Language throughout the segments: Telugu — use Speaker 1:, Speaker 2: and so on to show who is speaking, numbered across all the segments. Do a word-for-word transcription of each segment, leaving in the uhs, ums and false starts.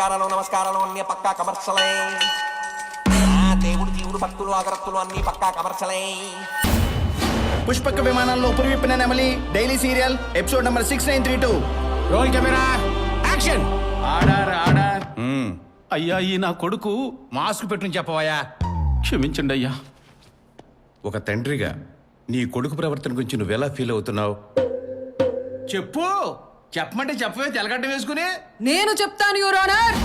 Speaker 1: పురస్కారాలు నమస్కారాలు అన్ని పక్కా కమర్షలే. దేవుడు జీవుడు భక్తులు అగరత్తులు అన్ని పక్కా కమర్షలే.
Speaker 2: పుష్పక విమానంలో పురివిప్పిన నెమలి daily serial episode number six nine three two.
Speaker 3: Roll camera action.
Speaker 2: Order order.
Speaker 3: అయ్యా ఈ నా కొడుకు మాస్క్ పెట్టుని చెప్పవయ్యా.
Speaker 4: క్షమించండి అయ్యా.
Speaker 3: ఒక తండ్రిగా నీ కొడుకు ప్రవర్తన గురించి నువ్వెలా ఫీల్ అవుతున్నావు? చెప్పు. చెప్పమంటే చెప్పవే తెలగడ్డ వేసుకుని.
Speaker 5: నేను చెప్తాను యువర్ ఆనర్.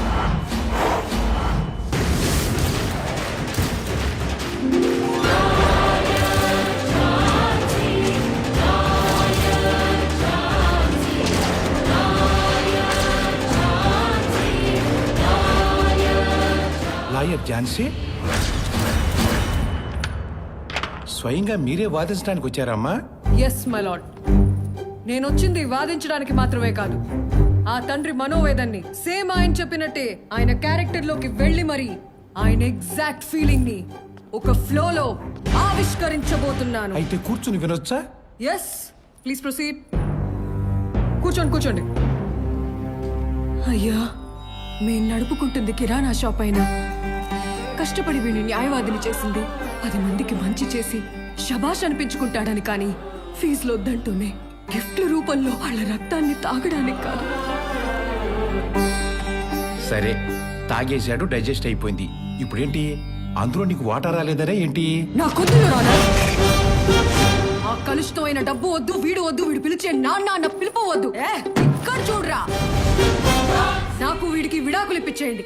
Speaker 3: లాయర్ ఝాన్సీ, స్వయంగా మీరే వాదించడానికి వచ్చారమ్మా?
Speaker 5: Yes my lord. నేను వచ్చింది వాదించడానికి మాత్రమే కాదు, ఆ తండ్రి మనోవేదన్ని సేమ్ ఆయన చెప్పినట్టే ఆయన క్యారెక్టర్ లోకి వెళ్ళి మరి ఆయన ఎగ్జాక్ట్ ఫీలింగ్ ని ఒక ఫ్లో లో ఆవిష్కరించబోతున్నాను.
Speaker 3: అయితే కూర్చుని వినొచ్చా?
Speaker 5: Yes please proceed. కూర్చోండి కూర్చోండి. అయ్యా, మేము నడుపుకుంటుంది కిరాణా షాప్ అయినా కష్టపడి వీడిని న్యాయవాదిని చేసింది పది మందికి మంచి చేసి శబాష్ అనిపించుకుంటాడని, కానీ ఫీజులు వద్దంటూనే గిఫ్ట్ల రూపంలో వాళ్ళ రక్తాన్ని తాగడానికి కాదు.
Speaker 3: సరే, తాగేశాడు, డైజెస్ట్ అయిపోయింది. ఇప్పుడేంటి? అందులో నీకు వాటర్ రాలేదనే ఏంటి?
Speaker 5: నా కొద్దులు రానా? ఆ కలుషితమైన డబ్బు వద్దు, వీడు వద్దు, వీడు పిలిచే నాన్న అన్న పిలుపు వద్దు. ఏ ఇక్కడ చూడరా, నాకు వీడికి విడాకులు ఇప్పించేయండి.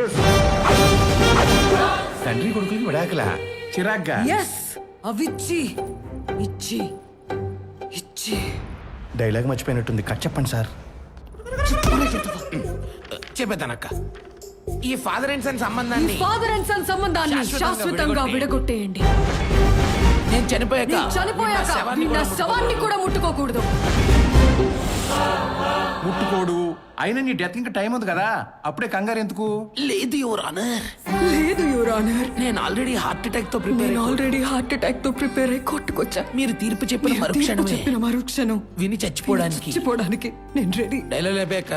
Speaker 3: తండ్రి కొడుకులకి విడాకలా? చిరాగ్గా.
Speaker 5: ఎస్, అవిచ్చి ఇచ్చి ఇచ్చి.
Speaker 2: డైలాగ్ మర్చిపోయినట్టుంది, కట్ చెప్పండి సార్.
Speaker 4: చెప్పేద్దానక్క. ఈ ఫాదర్ అండ్ సన్
Speaker 5: ఈ
Speaker 4: సంబంధాన్ని
Speaker 5: ఫాదర్ అండ్ సన్ సంబంధాన్ని శాశ్వతంగా విడగొట్టేయండి.
Speaker 4: నేను చనిపోయాక
Speaker 5: నేను చనిపోయాక నా శవాన్ని కూడా ముట్టుకోకూడదు.
Speaker 3: ముట్టుకోడు. అయినా నీ డెత్ ఇంకా టైం ఉంది కదా, అప్పుడే కంగారు ఎందుకు?
Speaker 4: లేదు యువర్ ఆనర్.
Speaker 5: లేదు యువర్ ఆనర్,
Speaker 4: నేను ఆల్రెడీ హార్ట్ అటాక్ తో ప్రిపేర్
Speaker 5: నేను ఆల్రెడీ హార్ట్ అటాక్ తో ప్రిపేర్ అయి కొట్టుకొచ్చా.
Speaker 4: మీరు తీర్పు చెప్పిన
Speaker 5: మీరు తీర్పు
Speaker 4: మరుక్షణమే
Speaker 5: చెప్పిన మరుక్షణం
Speaker 4: విని చచ్చిపోవడానికి
Speaker 5: చచ్చిపోవడానికి నేను రెడీ.
Speaker 4: డైలాగ్ లేపాక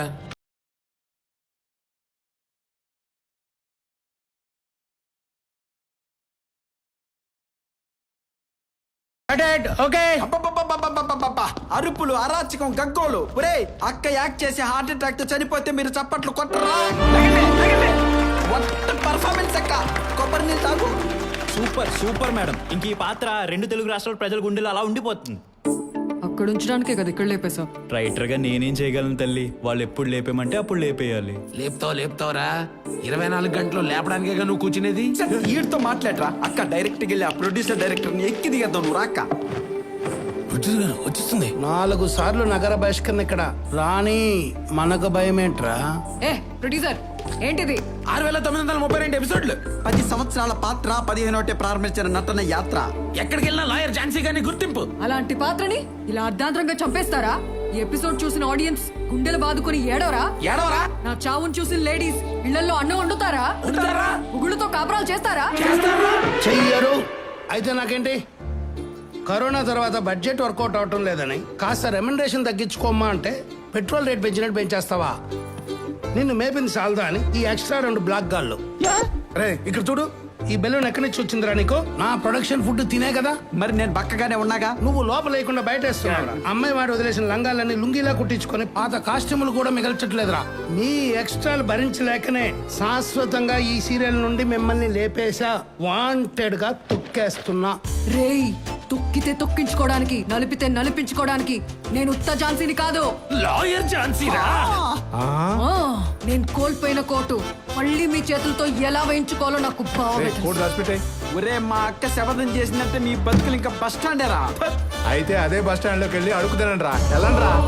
Speaker 2: ఓకే.
Speaker 6: అబ్బబ్బబ్బబ్బబ్బబ్బబ్బబ్బ! అరుపులు, అరాచకం, గగ్గోలు. ఒరే, అక్క యాక్ట్ చేసి హార్ట్ అటాక్ తో చనిపోతే మీరు చప్పట్లు కొట్టరా? పర్ఫార్మెన్స్ అక్క. కొబ్బరి నీళ్ళు తాగు.
Speaker 7: Super super madam. ఇంక ఈ పాత్ర రెండు తెలుగు రాష్ట్రాల ప్రజల గుండెలు అలా ఉండిపోతుంది.
Speaker 5: అక్కడ ఉంచడానికే కదా ఇక్కడ లేపేశా.
Speaker 7: రైటర్ గా నేనేం చేయగలను తల్లి? వాళ్ళు ఎప్పుడు లేపేమంటే అప్పుడు లేపేయాలి.
Speaker 4: లేపుతావు లేపుతావురా. ఇరవై నాలుగు గంటలు లేపడానికే నువ్వు కూర్చునేది.
Speaker 6: వీడితో మాట్లాడరా. అక్క డైరెక్ట్ గా వెళ్ళి ఆ ప్రొడ్యూసర్ డైరెక్టర్ ని ఎక్కి దిగద్దాం. నువ్వు రాక్క.
Speaker 4: వచ్చిస్తుంది.
Speaker 8: నాలుగు సార్లు నగర బహిష్కరణ ఇక్కడ రాణి. మనకు భయమేంట్రా?
Speaker 5: ఏ ప్రొడ్యూసర్, ఏంటిది?
Speaker 4: ఆరు వేల తొమ్మిది వందల ముప్పై రెండు ఎపిసోడ్లు.
Speaker 6: పది సంవత్సరాల పాత్ర, పదిహేనోటే ప్రారంభించిన నటన యాత్ర.
Speaker 4: ఎక్కడికి వెళ్ళినా లాయర్ ఝాన్సీ గారిని గుర్తింపు.
Speaker 5: అలాంటి పాత్రని ఇలా అర్ధాంతరంగా చంపేస్తారా? ఈ ఎపిసోడ్ చూసిన ఆడియన్స్ గుండెలు బాదుకుని ఏడవరా?
Speaker 4: ఏడవరా?
Speaker 5: నా చావును చూసిన లేడీస్ ఇళ్లలో అన్నం వండుతారా?
Speaker 4: ఉంటారా?
Speaker 5: ఉగుళ్ళతో కాపురాలు చేస్తారా?
Speaker 8: చెయ్యరు. అయితే నాకేంటి? కరోనా తర్వాత బడ్జెట్ వర్కౌట్ అవటం లేదని కాస్త రెమ్యునరేషన్ తగ్గించుకోమ్మా అంటే పెట్రోల్ రేట్ పెంచినట్టు పెంచేస్తావా? నిన్ను మేపింది సాల్దా అని ఈ ఎక్స్ట్రా రెండు బ్లాక్ గాళ్ళు. రే ఇక్కడ చూడు, ఈ బెలూన్ ఎక్కడి నుంచి వచ్చిందిరా నీకు? నా ప్రొడక్షన్ ఫుడ్ తినే కదా.
Speaker 6: మరి నేను బక్కగానే ఉన్నాగా.
Speaker 8: నువ్వు లోపల లేకుండా బయట వేస్తున్నావు. అమ్మాయి వాడు వదిలేసిన లంగాలన్నీ లుంగిలా కుట్టించుకొని పాత కాస్ట్యూములు కూడా మిగల్చట్లేదురా. మీ ఎక్స్ట్రాలు భరించలేకనే శాశ్వతంగా ఈ సీరియల్ నుండి మిమ్మల్ని లేపేశా. వాంటెడ్ గా తొక్కేస్తున్నా.
Speaker 5: రేయ్, తొక్కితే తొక్కించుకోవడానికి, నలిపితే నలిపించుకోవడానికి నేను ఉత్త ఝాన్సీని కాదు.
Speaker 4: లాయర్ ఝాన్సీరా.
Speaker 5: ఆ, నేను కోల్పోయిన కోటు మళ్ళీ మీ చేతులతో ఎలా వేయించుకోవాలో నాకు బాగా
Speaker 6: ఒరే, మా అక్క శపథం చేసినట్టే మీ బతుకులు ఇంకా బస్ స్టాండేరా.
Speaker 2: అయితే అదే బస్ స్టాండ్ లోకి వెళ్ళి అడుగుతానండి రా. వెళ్ళండి రా.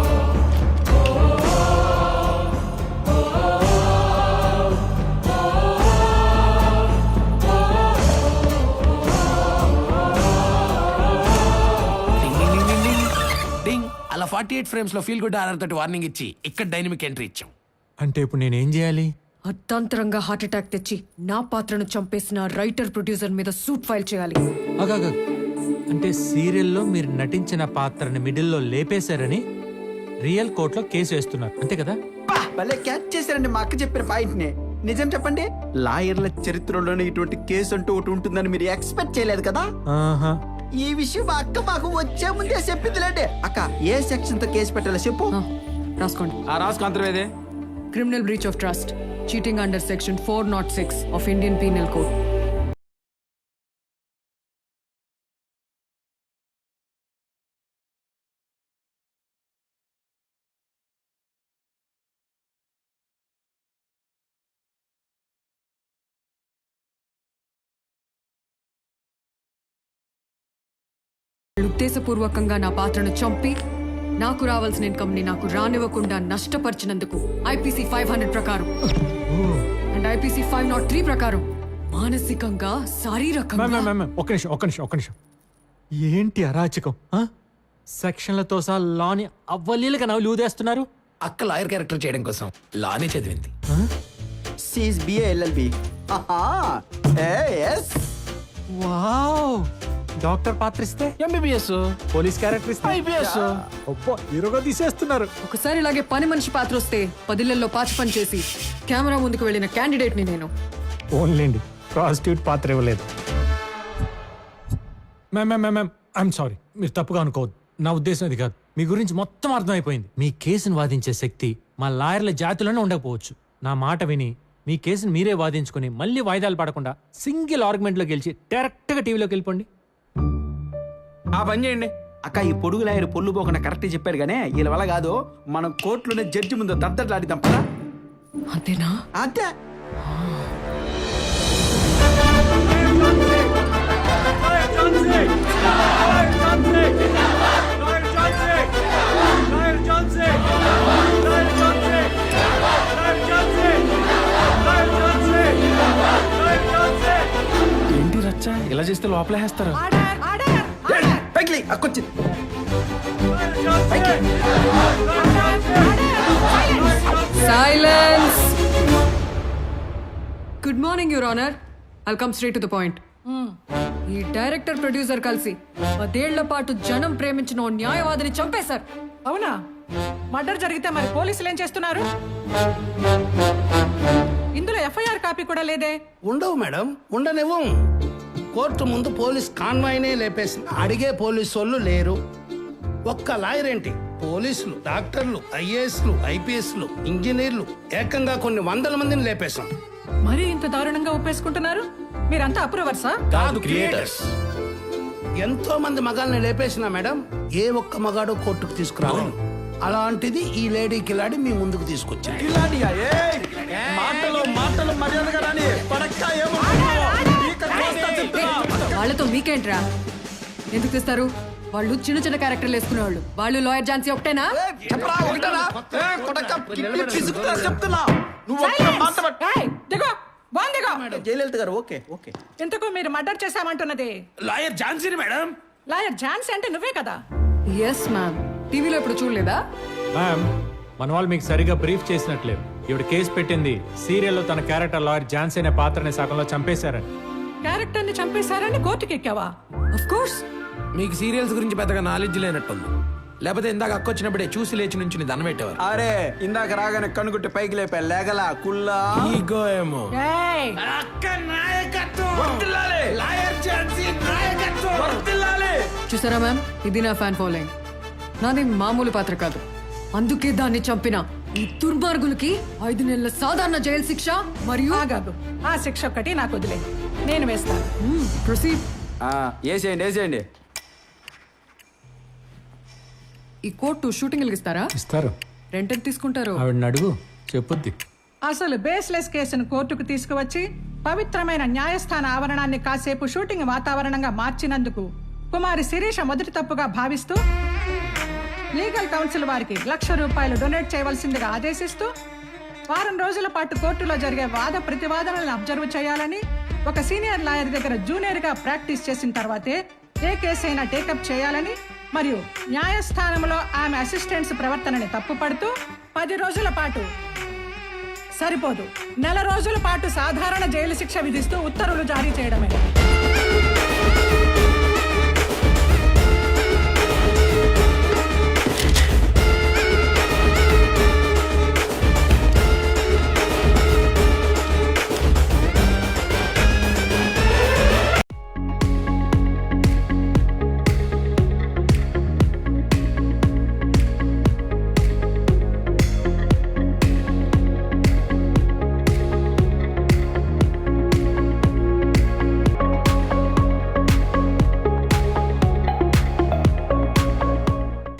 Speaker 4: అలా ఫార్టీ ఎయిట్ ఫ్రేమ్స్ లో ఫీల్ గుడ్ ఆర్ఆర్ తోటి వార్నింగ్ ఇచ్చి ఇక్కడ డైనమిక్ ఎంట్రీ ఇచ్చాం.
Speaker 9: అంటే ఇప్పుడు నేనేం చేయాలి?
Speaker 5: అర్ధాంతరంగా హార్ట్ అటాక్ తెచ్చి నా పాత్రను చంపేసిన రైటర్ ప్రొడ్యూసర్ మీద సూట్ ఫైల్ చేయాలి.
Speaker 9: అగగ. అంటే సీరియల్లో మీరు నటించిన పాత్రని మిడిల్లో లేపేశారని రియల్ కోర్టులో కేసు వేస్తున్నారు, అంతే కదా?
Speaker 6: భలే క్యాచ్ చేశారండి మా అక్క చెప్పిన పాయింట్ ని. నిజం చెప్పండి, లాయర్ల చరిత్రలోనే ఇటువంటి కేసు అంటూ ఒకటి ఉంటుందని మీరు ఎక్స్పెక్ట్ చేయలేదు కదా.
Speaker 9: ఆహా.
Speaker 6: ఈ విషయం మా అక్క మాకు వచ్చే ముందే చెప్పిందిలేండి. అక్క ఏ సెక్షన్ తో కేసు పెట్టాలో చెప్పు.
Speaker 5: ఆ, రాసుకోండి.
Speaker 7: ఆ రాసుకు అంతర్వేదే
Speaker 5: criminal breach of trust, cheating under section four nought six of Indian penal code. ఉద్దేశపూర్వకంగా నా పాత్రను చంపి నాకు రావాల్సిన ఇన్కమ్ ని నాకు రానివ్వకుండా నష్టపరిచినందుకు ఐపీసీ ఫైవ్ హండ్రెడ్ ప్రకారం and IPC five nought three ప్రకారం మానసికంగా శారీరకంగా
Speaker 9: మ్యామ్, మ్యామ్, మ్యామ్, ఒక్క నిమిషం ఒక్క నిమిషం ఒక్క నిమిషం ఏంటి అరాచకం? ఆ? సెక్షన్లతో సహా లాని అవ్వలీలుగా నవ్వులు ఊదేస్తున్నారు.
Speaker 4: అక్క లాయర్ క్యారెక్టర్ చేయడం కోసం లానే చదివింది.
Speaker 6: సీస్ బిఏ ఎల్ఎల్బి.
Speaker 9: వావ్! డాక్టర్ పాత్ర ఇస్తే
Speaker 4: ఎంబీబీఎస్,
Speaker 9: పోలీస్ క్యారెక్టర్ ఇస్తే
Speaker 4: ఐపీఎస్.
Speaker 9: అబ్బో, హీరోగా తీసేస్తున్నారు.
Speaker 5: ఒకసారి ఇలాగే పని మనిషి పాత్ర వస్తే పదిళ్లలో పాచి పని చేసి కెమెరా ముందుకు వెళ్ళిన క్యాండిడేట్ ని నేను.
Speaker 9: ఓన్లేండి, ప్రాస్టిట్యూట్ పాత్ర ఇవ్వలేదు. Ma'am ma'am ma'am ma'am I'm sorry, మీరు తప్పుగా అనుకోవద్దు. నా ఉద్దేశం అది కాదు. మీ గురించి మొత్తం అర్థమైపోయింది. మీ కేసును వాదించే శక్తి మా లాయర్ల జాతిలోనే ఉండకపోవచ్చు. నా మాట విని మీ కేసును మీరే వాదించుకొని మళ్ళీ వాయిదాలు పడకుండా సింగిల్ ఆర్గ్యుమెంట్లో గెలిచి డైరెక్ట్గా టీవీలోకి వెళ్ళిపోండి.
Speaker 7: ఆ పని చేయండి.
Speaker 6: అక్క ఈ పొడుగు లాయర్ పొల్లు పోకుండా కరెక్ట్ చెప్పాడు గానే, వీళ్ళ వల్ల కాదు. మనం కోర్టులోనే జడ్జి ముందు దద్దట్లాడిద్దాం పదా.
Speaker 5: అంతేనా?
Speaker 6: అంతే.
Speaker 7: ఏంటి రచ్చ ఇలా చేస్తే లోపలేస్తారు.
Speaker 6: పైకి లే, అక్కొచ్చింది.
Speaker 5: Silence. Good morning your honour. I'll come straight to the point. ఈ డైరెక్టర్ ప్రొడ్యూసర్ కలిసి పదేళ్ల పాటు జనం ప్రేమించిన ఓ న్యాయవాదిని చంపేశారు.
Speaker 10: అవునా? మర్డర్ జరిగితే మరి పోలీసులు ఏం చేస్తున్నారు? ఇందులో ఎఫ్ఐఆర్ కాపీ కూడా లేదే.
Speaker 8: ఉండవు మేడం, ఉండనివ్వం. కోర్టు ముందు పోలీస్ కాన్వాయ్నే లేపేసిన అడిగే పోలీసు వాళ్ళు లేరు. ఒక్క లాయర్ ఏంటి, పోలీసులు, డాక్టర్లు, ఐఏఎస్లు, ఐపీఎస్లు, ఇంజనీర్లు, ఏకంగా కొన్ని వందల మందిని లేపేశాం.
Speaker 10: మరి ఇంత దారుణంగా ఒప్పేసుకుంటున్నారు? మీరంతా అప్రూవర్సా?
Speaker 8: కాదు, క్రియేటర్స్. ఎంతో మంది మగాల్ని లేపేసిన మేడం, ఏ ఒక్క మగాడు కోర్టుకు తీసుకురాలేదు. అలాంటిది ఈ లేడీ కిలాడి మీ ముందుకు తీసుకొచ్చింది.
Speaker 6: కిలాడియా? ఏయ్! మాటలు మాటలు మర్యాదగా రాని. పడక్క ఏమనుకుంటున్నావు? ఈక కోస్తా చెప్తున్నా.
Speaker 5: వాళ్ళతో మీకేంట్రా? ఎందుకు తెస్తారు? వాళ్ళు చిన్న చిన్న క్యారెక్టర్లు వేసుకునేవాళ్ళు. వాళ్ళు లాయర్ ఝాన్సీ ఒకటేనా?
Speaker 6: ఏయ్, చెప్పరా ఒకటేనా? ఏయ్, కొడక కిడ్నీ పిసుకుతా చెప్తున్నా. నువ్వు ఒక్క మాట పట్టు.
Speaker 10: ఏయ్, దిగో, బాన్ దిగో.
Speaker 6: జయలలిత గారు ఓకే ఓకే.
Speaker 10: ఇంతకు మీరు మర్డర్ చేశామంటున్నది
Speaker 7: లాయర్ ఝాన్సీని మేడం.
Speaker 10: లాయర్ ఝాన్సీ అంటే నువ్వే కదా?
Speaker 5: Yes ma'am. టీవీలో ఇప్పుడు చూడలేదా?
Speaker 9: మ్యామ్, మన వాళ్ళు మీకు సరిగా బ్రీఫ్ చేసినట్లేదు. ఇవిడ కేసు పెట్టింది సీరియల్లో తన క్యారెక్టర్ లాయర్ ఝాన్సీ అనే పాత్రని సగంలో చంపేశారని.
Speaker 10: క్యారెక్టర్ ని చంపేశారని కోర్టుకి ఎక్కావా?
Speaker 5: Of course.
Speaker 4: మీకు సీరియల్స్ గురించి పెద్దగా నాలెడ్జ్ లేనట్టుంది. లేకపోతే ఇందాక అక్క వచ్చినప్పుడే చూసి లేచి నుంచి దండం పెట్టేవారు.
Speaker 6: అరే ఇందాక రాగానే కనుగుట్టి పైకి లేపా లేగలా కుల్లా.
Speaker 4: ఈగో ఏమో.
Speaker 10: ఏయ్,
Speaker 7: అక్క నాయకత్వం వర్ధిల్లాలి. లాయర్ ఝాన్సీ నాయకత్వం వర్ధిల్లాలి.
Speaker 5: చూసారా మ్యామ్, ఇది నా ఫ్యాన్ ఫాలోయింగ్. నాది మామూలు పాత్ర కాదు. అందుకే దాన్ని చంపిన ఈ దుర్మార్గులకి ఐదు నెలల సాధారణ జైలు శిక్ష మరియు
Speaker 10: ఆగాగు. ఆ శిక్ష ఒక్కటి నాకు వదిలే, నేను వేస్తాను.
Speaker 5: ప్రొసీడ్.
Speaker 6: వేసేయండి వేసేయండి.
Speaker 5: ఈ కోర్టు షూటింగ్ ఇస్తారా?
Speaker 9: ఇస్తారు.
Speaker 5: రెంట్ ఎంత తీసుకుంటారు?
Speaker 9: ఆవిడని అడుగు, చెప్పుద్ది.
Speaker 10: అసలు బేస్లెస్ కేసును కోర్టుకు తీసుకువచ్చి పవిత్రమైన న్యాయస్థాన ఆవరణాన్ని కాసేపు షూటింగ్ వాతావరణంగా మార్చినందుకు కుమారి శిరీష మొదటి తప్పుగా భావిస్తూ లీగల్ కౌన్సిల్ వారికి లక్ష రూపాయలు డొనేట్ చేయవలసిందిగా ఆదేశిస్తూ వారం రోజుల పాటు కోర్టులో జరిగే వాద ప్రతివాదనలను అబ్జర్వ్ చేయాలని, ఒక సీనియర్ లాయర్ దగ్గర జూనియర్గా ప్రాక్టీస్ చేసిన తర్వాతే ఏ కేసు అయినా టేకప్ చేయాలని, మరియు న్యాయస్థానంలో ఆమె అసిస్టెంట్స్ ప్రవర్తనని తప్పుపడుతూ పది రోజుల పాటు సరిపోదు నెల రోజుల పాటు సాధారణ జైలు శిక్ష విధిస్తూ ఉత్తర్వులు జారీ చేయడమే.